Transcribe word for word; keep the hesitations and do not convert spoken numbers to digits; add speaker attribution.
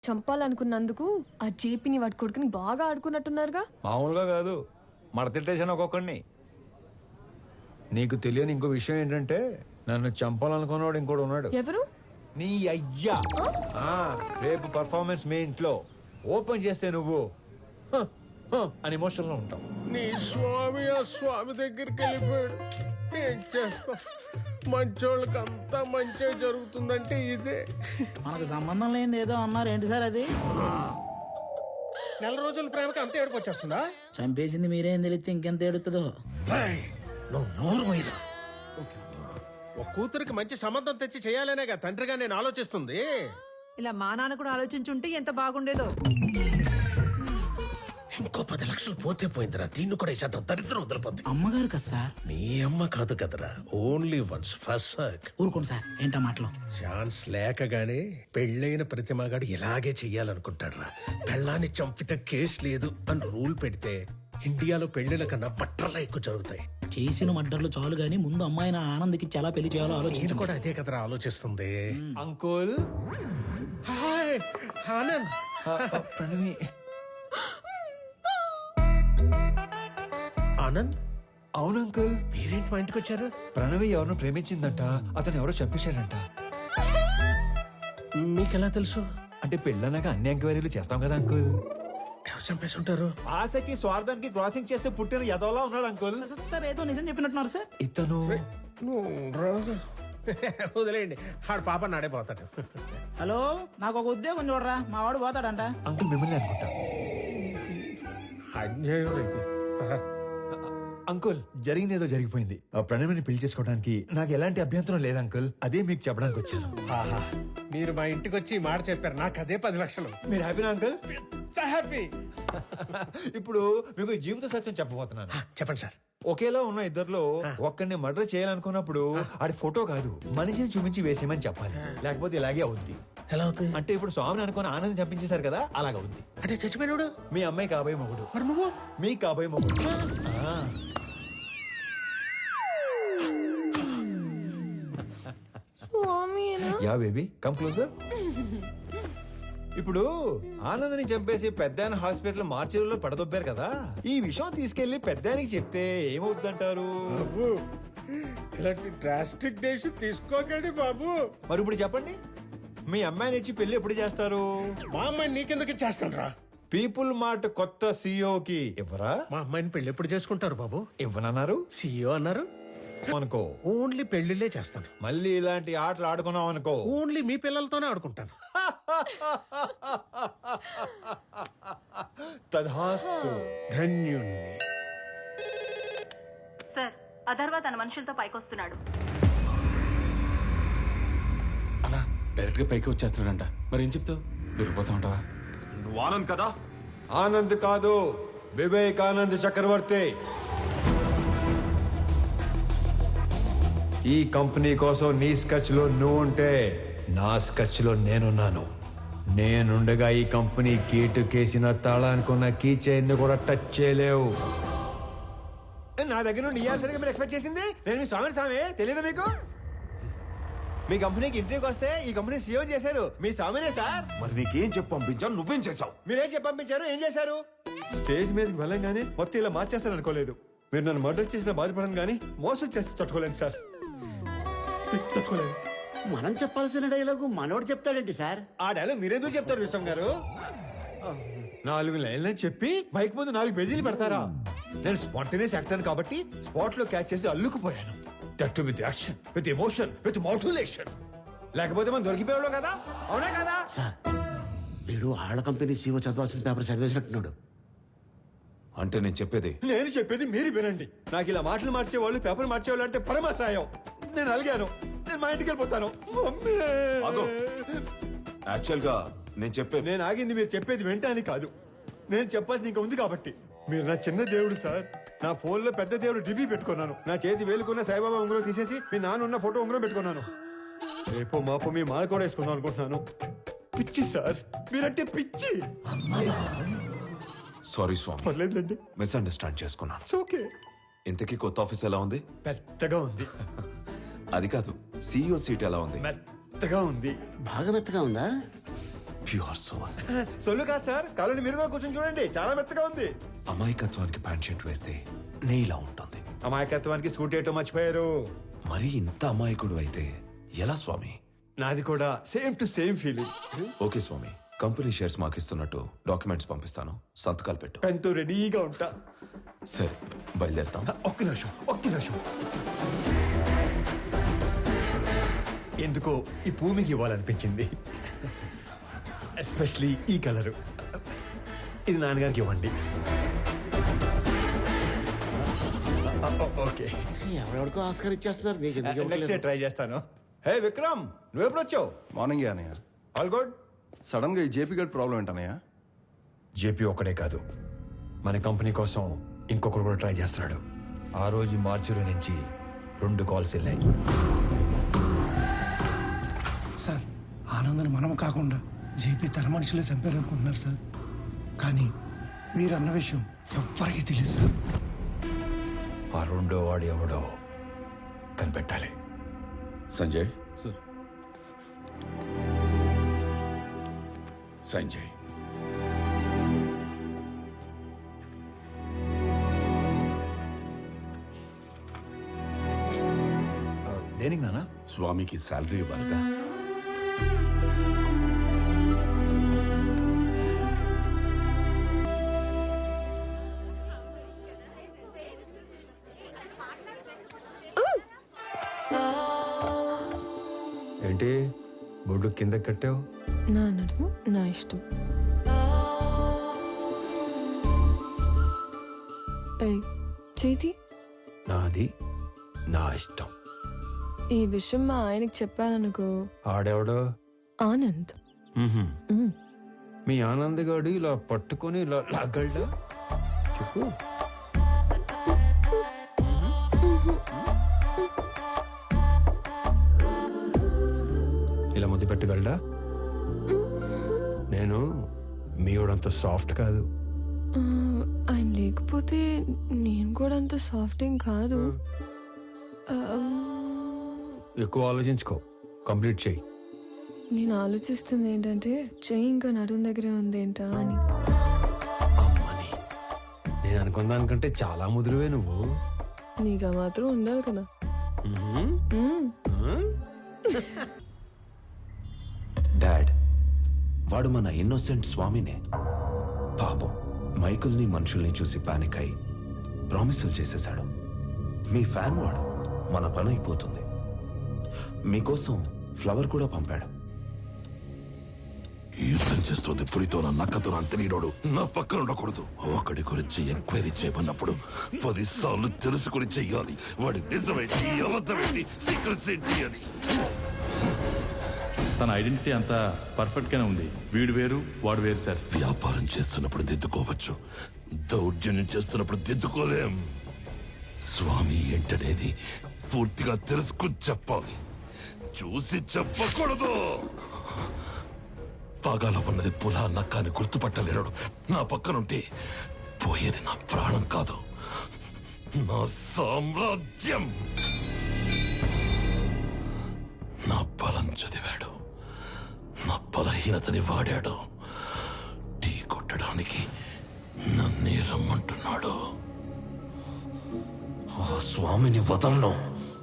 Speaker 1: చంపాలనుకున్నందుకు ఆ జేపీని వాడి కొడుకుని బాగా ఆడుకున్నట్టున్నారుగా.
Speaker 2: మామూలుగా కాదు, మడతెట్టేసాను ఒక్కొక్కడిని. నీకు తెలియని ఇంకో విషయం ఏంటంటే నన్ను చంపాలనుకున్నాడు ఇంకోటి ఉన్నాడు.
Speaker 1: ఎవరు?
Speaker 2: నీ అయ్యా. ఆ, రేపు పర్ఫార్మెన్స్ మీ ఇంట్లో ఓపెన్ చేస్తే నువ్వు హ, హ అని ఎమోషన్ లో ఉంటావు.
Speaker 3: నీ స్వామి ఆ స్వామి దగ్గరికి వెళ్ళిపోయాడు. ఏం చేస్తా, మంచోళ్ళకి అంతా మంచిగా జరుగుతుందంటే ఇదే.
Speaker 4: మనకు సంబంధం లేనిది ఏదో అన్నారు ఏంటి సార్ అది?
Speaker 3: నెల రోజుల ప్రేమకి అంత ఏడుపు వచ్చేస్తుందా?
Speaker 4: చంపేసింది మీరేం తెలిస్తే ఇంకెంత ఏడుతుందో.
Speaker 3: నువ్వు నోరు పోయిరా. ఒక కూతురికి మంచి సంబంధం తెచ్చి చేయాలనేగా తండ్రిగా నేను ఆలోచిస్తుంది.
Speaker 5: ఇలా మా నాన్న కూడా ఆలోచించుంటే ఎంత బాగుండేదో.
Speaker 3: ఇంకో పది లక్షలు పోతే పోయిందిరా, దీన్ని కూడా ఇచ్చేంత దరిద్రం వదిలిపోద్ది.
Speaker 4: అమ్మగారు కదా సార్?
Speaker 3: నీ అమ్మ కాదు కదరా, ఓన్లీ వన్స్ ఫస్ట్ సర్క్.
Speaker 4: ఊరుకోండి సార్, ఏంటా మాటలు?
Speaker 3: ఛాన్స్ లేకగానే పెళ్ళైన ప్రతి మగాడు ఇలాగే చెయ్యాలనుకుంటాడురా. పెళ్ళాన్ని చంపితే కేసు లేదు అని రూల్ పెడితే ఇండియాలో పెళ్లిల కన్నా బట్టర్లా ఎక్కువ జరుగుతాయి.
Speaker 4: చేసిన మడ్డర్లు చాలు గానీ ముందు అమ్మాయిని ఆనంద్కి చాలా పెళ్లి చేయాలో
Speaker 3: నేను
Speaker 4: ఆలోచించు.
Speaker 3: కూడా అదే కదరా ఆలోచిస్తుంది.
Speaker 2: అంకుల్.
Speaker 3: హాయ్ ఆనంద్.
Speaker 2: ప్రణవి.
Speaker 3: ఆనంద్,
Speaker 2: అవును అంకుల్.
Speaker 3: మీరేంటి మా ఇంటికి వచ్చారు?
Speaker 2: ప్రణవి ఎవరినో ప్రేమించిందంట, అతను ఎవరో చంపేశాడంట.
Speaker 3: మీకెలా తెలుసు?
Speaker 2: అంటే పెళ్ళన్నాక అన్ని ఎంక్వైరీలు చేస్తాం కదా అంకుల్.
Speaker 3: ఎవరు చంపేసి ఉంటారు?
Speaker 2: ఆశకి స్వార్థానికి క్రాసింగ్ చేస్తే పుట్టిన యదవలా ఉన్నాడు అంకుల్.
Speaker 4: సార్ ఏదో నిజం చెప్పినట్టున్నారు సార్.
Speaker 2: ఇతను
Speaker 3: వదిలేయండి, ఆడు పాప నాడైపోతాడు.
Speaker 4: హలో, నాకు ఒక ఉద్యోగం చూడరా, మా వాడు పోతాడంట.
Speaker 2: అంకుల్ మిమ్మల్ని అనుకుంటా.
Speaker 3: అన్యాయం ఇది.
Speaker 2: అంకుల్, జరిగింది ఏదో జరిగిపోయింది. ఆ ప్రణవిని పెళ్లి చేసుకోవడానికి నాకు ఎలాంటి అభ్యంతరం లేదు అంకుల్. అదే మీకు చెప్పడానికి వచ్చాను.
Speaker 3: ఆహా, మీరు మా ఇంటికి వచ్చి ఈ మాట చెప్పారు, నాకు అదే పది లక్షలు.
Speaker 2: మీరు హ్యాపీనా అంకుల్?
Speaker 3: హ్యాపీ.
Speaker 2: ఇప్పుడు మీకు ఈ జీవిత సత్యం చెప్పబోతున్నాను.
Speaker 3: చెప్పండి సార్.
Speaker 2: ఒకేలా ఉన్న ఇద్దర్లో ఒక్కడిని మర్డర్ చేయాలనుకున్నప్పుడు ఆడి ఫోటో కాదు, మనిషిని చూపించి వేసేయమని చెప్పాలి. లేకపోతే ఇలాగే అవుద్ది.
Speaker 3: ఎలా అవుతుంది?
Speaker 2: అంటే ఇప్పుడు స్వామిని అనుకుని ఆనందం చంపించేశారు కదా, అలాగ అవుద్ది.
Speaker 3: అంటే చచ్చిపోయినాడు
Speaker 2: మీ అమ్మాయి కాబోయే మొగుడు,
Speaker 3: మరి నువ్వు
Speaker 2: మీ కాబోయే మొగుడు. ఆ. Yeah baby, come closer. ఇప్పుడు ఆనందని చంపేసి పెద్దాయన హాస్పిటల్ మార్చిలో పడదొబ్బారు కదా, ఈ విషయం తీసుకెళ్లి పెద్దాయనికి చెప్తే ఏమవుద్దంటారు?
Speaker 3: ఇలాంటి డ్రాస్టిక్ డెసిషన్ తీసుకోకండి బాబు.
Speaker 2: మరి ఇప్పుడు చెప్పండి, మీ అమ్మాయిని ఇచ్చి పెళ్లి ఎప్పుడు చేస్తారు?
Speaker 3: మా అమ్మాయిని నీకెందుకు ఇచ్చేస్తాను రా.
Speaker 2: పీపుల్ మార్ట్ కొత్త సీఈఓకి ఇవ్వరా?
Speaker 3: మా అమ్మాయిని పెళ్లి ఎప్పుడు చేసుకుంటారు బాబు?
Speaker 2: ఇవ్వనన్నారు.
Speaker 3: సీఈఓ అన్నారు
Speaker 2: అనుకో,
Speaker 3: ఓన్లీ పెళ్లిళ్ళే చేస్తాను.
Speaker 2: మళ్ళీ ఇలాంటి ఆటలు ఆడుకున్నాం అనుకో,
Speaker 3: ఓన్లీ మీ పిల్లలతోనే ఆడుకుంటాను.
Speaker 2: తధాస్తు.
Speaker 3: ధన్యుణ్ణి.
Speaker 6: సార్, అథర్వ తన మనుషులతో పైకొస్తున్నాడు.
Speaker 7: అలా డైరెక్ట్ గా పైకి వచ్చేస్తున్నాడంట. మరి ఏం చెప్తావు? దొరికిపోతా ఉంటావా?
Speaker 8: నువ్వు ఆనంద్ కదా?
Speaker 2: ఆనంద్ కాదు, వివేకానంద్ చక్రవర్తి. ఈ కంపెనీ కోసం నీ స్కెచ్ లో నువ్వు ఉంటే నా స్కెచ్ లో నేనున్నాను. నేనుండగా ఈ కంపెనీ గేటు కేసిన తాళానుకున్న కీ చైన్ కూడా టచ్ చేయలేవు. నా దగ్గర నుండి ఇయ్యాల్సరిగా మీరు ఎక్స్పెక్ట్ చేసింది నేను మీ స్వామి స్వామి తెలియదు మీకు? మీ కంపెనీకి ఇంటర్వ్యూకి వస్తే ఈ కంపెనీ సీఎం చేశారు మీ స్వామినే సార్.
Speaker 8: మరి నీకేం చెప్పి పంపించాను, నువ్వేం చేసావు?
Speaker 2: మీరేం చెప్పి పంపించారు, ఏం చేశారు? స్టేజ్ మీదకి వెళ్ళంగానే మొత్తం ఇలా మార్చేస్తారు అనుకోలేదు. మీరు నన్ను మర్డర్ చేసిన బాధపడను కానీ మోసం చేస్తే తట్టుకోలేను సార్, తట్టుకోలేదు.
Speaker 9: మనం చెప్పాల్సిన డైలాగు మనోడు చెప్తాడేంటి సార్?
Speaker 2: ఆ డైలాగ్ మీరెందుకు చెప్తారు విశ్వం గారు? నాలుగు లైన్లని చెప్పి మైక్ ముందు నాలుగు పేజీలు పెడతారా? నేను స్పాంటేనియస్ యాక్టర్ కాబట్టి స్పాట్ లో క్యాచ్ చేసి అల్లుకుపోయాను. That with action, with emotion, with motivation. లేకపోతే మనం దొరికిపోయాడు కదా, అవునా కదా?
Speaker 9: సార్, వీడు ఆళ్ళ కంపెనీ సీఓ చదవాల్సిన పేపర్ చదివేసినట్టున్నాడు.
Speaker 8: అంటే నేను చెప్పేది
Speaker 2: నేను చెప్పేది మీరు వినండి. నాకు ఇలా మాటలు మార్చేవాళ్ళు, పేపర్ మార్చేవాళ్ళు అంటే పరమాసాయం. నేను అలిగాను, నేను మా ఇంటికి వెళ్ళిపోతాను.
Speaker 8: ఆగు. యాక్చువల్ గా నేను చెప్పే
Speaker 2: నేను ఆగింది మీరు చెప్పేది వింటానికి కాదు, నేను చెప్పాల్సింది ఇంకా ఉంది కాబట్టి. మీరు నా చిన్న దేవుడు సార్. నా ఫోన్ లో పెద్ద దేవుడు డిబి పెట్టుకున్నాను. నా చేతి వేలుకున్న సాయిబాబా ఉంగరం తీసేసి మీ నాన్న ఉన్న ఫోటో ఉంగరం పెట్టుకున్నాను. రేపో మాపో మీ మాల కూడా వేసుకుందాం అనుకుంటున్నాను. పిచ్చి సార్, మీరంటే పిచ్చి.
Speaker 8: సారీ స్వామి,
Speaker 2: పర్లేదండి,
Speaker 8: మిస్అండర్స్టాండ్ చేసుకున్నాను.
Speaker 2: ఓకే.
Speaker 8: ఇంతకీ కొత్త ఆఫీస్ ఎలా ఉంది?
Speaker 2: పెద్దగా ఉంది.
Speaker 8: అది కాదు, సీఈఓ సీట్ ఎలా ఉంది?
Speaker 2: మెత్తగా ఉంది.
Speaker 9: బాగా మెత్తగా ఉందా?
Speaker 8: Pure soul.
Speaker 2: సొల్లు కాదు సార్, కాలని మీరు కూడా కూర్చొని చూడండి, చాలా మెత్తగా ఉంది.
Speaker 8: అమాయకత్వానికి ప్యాంట్ షర్ట్ వేస్తే నేలా ఉంటుంది.
Speaker 2: అమాయకత్వానికి స్కూటీ వేయటం మర్చిపోయారు.
Speaker 8: మరి ఇంత అమాయకుడు అయితే ఎలా స్వామి?
Speaker 2: నాది కూడా same to same feeling.
Speaker 8: Okay స్వామి, కంపెనీ షేర్స్ మాకు ఇస్తున్నట్టు డాక్యుమెంట్స్ పంపిస్తాను, సంతకాలు పెట్టు.
Speaker 2: పెన్తో రెడీగా ఉంటా.
Speaker 8: సరే బయలుదేరుతాం.
Speaker 2: ఒక్క నిమిషం ఒక్క నిమిషం ఎందుకో ఈ పువ్వు మీకు ఇవ్వాలనిపించింది, ఎస్పెషలీ ఈ కలరు. ఇది నాన్నగారికి ఇవ్వండి. ఓకే,
Speaker 9: ఎవరెవరికో ఆస్కార్ ఇచ్చేస్తున్నారు మీకు ఎందుకు
Speaker 2: నెక్స్ట్
Speaker 9: ఇవ్వట్లేదు?
Speaker 2: ట్రై చేస్తాను. హే విక్రమ్, నువ్వు ఎప్పుడు వచ్చావు?
Speaker 10: మార్నింగ్ అనయ్య.
Speaker 2: All good.
Speaker 10: సడన్ గా ఈ జేపీ గడ్ ప్రాబ్లం ఏంటనయ్య?
Speaker 2: జేపీ ఒక్కడే కాదు, మన కంపెనీ కోసం ఇంకొకరు కూడా ట్రై చేస్తున్నాడు. ఆ రోజు మార్చురి నుంచి రెండు కాల్స్ వెళ్ళాయి.
Speaker 11: సార్, ఆనందని మనం కాకుండా జేపీ తన మనుషులే చంపారు అనుకుంటున్నారు సార్. కానీ మీరు అన్న విషయం ఎవ్వరికీ తెలియదు సార్.
Speaker 2: ఆ రెండో వాడు ఎవడో కనిపెట్టాలి.
Speaker 7: సంజయ్ సార్. సంజయ్
Speaker 2: దేనికి నాన్న?
Speaker 7: స్వామికి శాలరీ ఇవ్వాలిగా.
Speaker 2: ఏంటి బొడ్డు కింద కట్టావు?
Speaker 1: నా నడుము నా ఇష్టం. ఏయ్, చేతి
Speaker 2: నాది నా ఇష్టం.
Speaker 1: ఈ విషయం మా ఆయనకి చెప్పాననుకో,
Speaker 2: ఆడెవడో?
Speaker 1: ఆనంద్. మ్.
Speaker 2: మీ ఆనంద్ గాడు ఇలా పట్టుకొని ఇలా లాగలడా? చెప్పు. ఇలా ముద్దు పెట్టగలడా? నేను మీవాడంత సాఫ్ట్ కాదు.
Speaker 1: ఆ, ఆయన లేకపోతే నేను కూడా అంత సాఫ్ట్ ఏం కాదు. ఆ,
Speaker 2: ఎక్కువ ఆలోచించుకో, కంప్లీట్ చేయి.
Speaker 1: నేను ఆలోచిస్తుంది ఏంటంటే చెయ్యి ఇంకా నడుము దగ్గరే ఉంది ఏంటా అని.
Speaker 2: అమ్మని, నేను అనుకున్న దానికంటే చాలా ముదురువే నువ్వు.
Speaker 1: నీకు ఆ మాత్రం ఉండాలి కదా. మ్.
Speaker 8: డాడ్, వాడు మన ఇన్నోసెంట్ స్వామినే. పాపం మైకుల్ని మనుషుల్ని చూసి పానిక్ అయి ప్రామిసులు చేసేశాడు. మీ ఫ్యాన్ వాడు, మన పని అయిపోతుంది. మీకోసం ఫ్లవర్ కూడా పంపాడు.
Speaker 12: యుద్ధం చేస్తుంది పులితో నా నక్కతో అంతనీరోడు నా పక్కన ఉండకూడదు. ఒకడి గురించి ఎంక్వైరీ చేయమన్నప్పుడు పది సార్లు తెలుసుకుని చెయ్యాలి. వాడి నిజమేంటి, అబద్ధమేంటి, సీక్రెట్స్ ఏంటి అని.
Speaker 7: తన ఐడెంటిటీ అంతా పర్ఫెక్ట్ గానే ఉంది. వీడు వేరు వాడు వేరు సార్.
Speaker 12: వ్యాపారం చేస్తున్నప్పుడు దిద్దుకోవచ్చు, దౌర్జన్యం చేస్తున్నప్పుడు దిద్దుకోలేం. స్వామి ఏంటనేది పూర్తిగా తెలుసుకుని చెప్పాలి, చూసి చెప్పకూడదు. పాగాలో ఉన్నది పులా నక్కాని గుర్తుపట్టలేడు. నా పక్కనుంటే పోయేది నా ప్రాణం కాదు, నా సామ్రాజ్యం. నా బలం చదివాడు, నా బలహీనతని వాడాడు. టీ కొట్టడానికి నన్నే రమ్మంటున్నాడు. ఆ స్వామిని వదలను.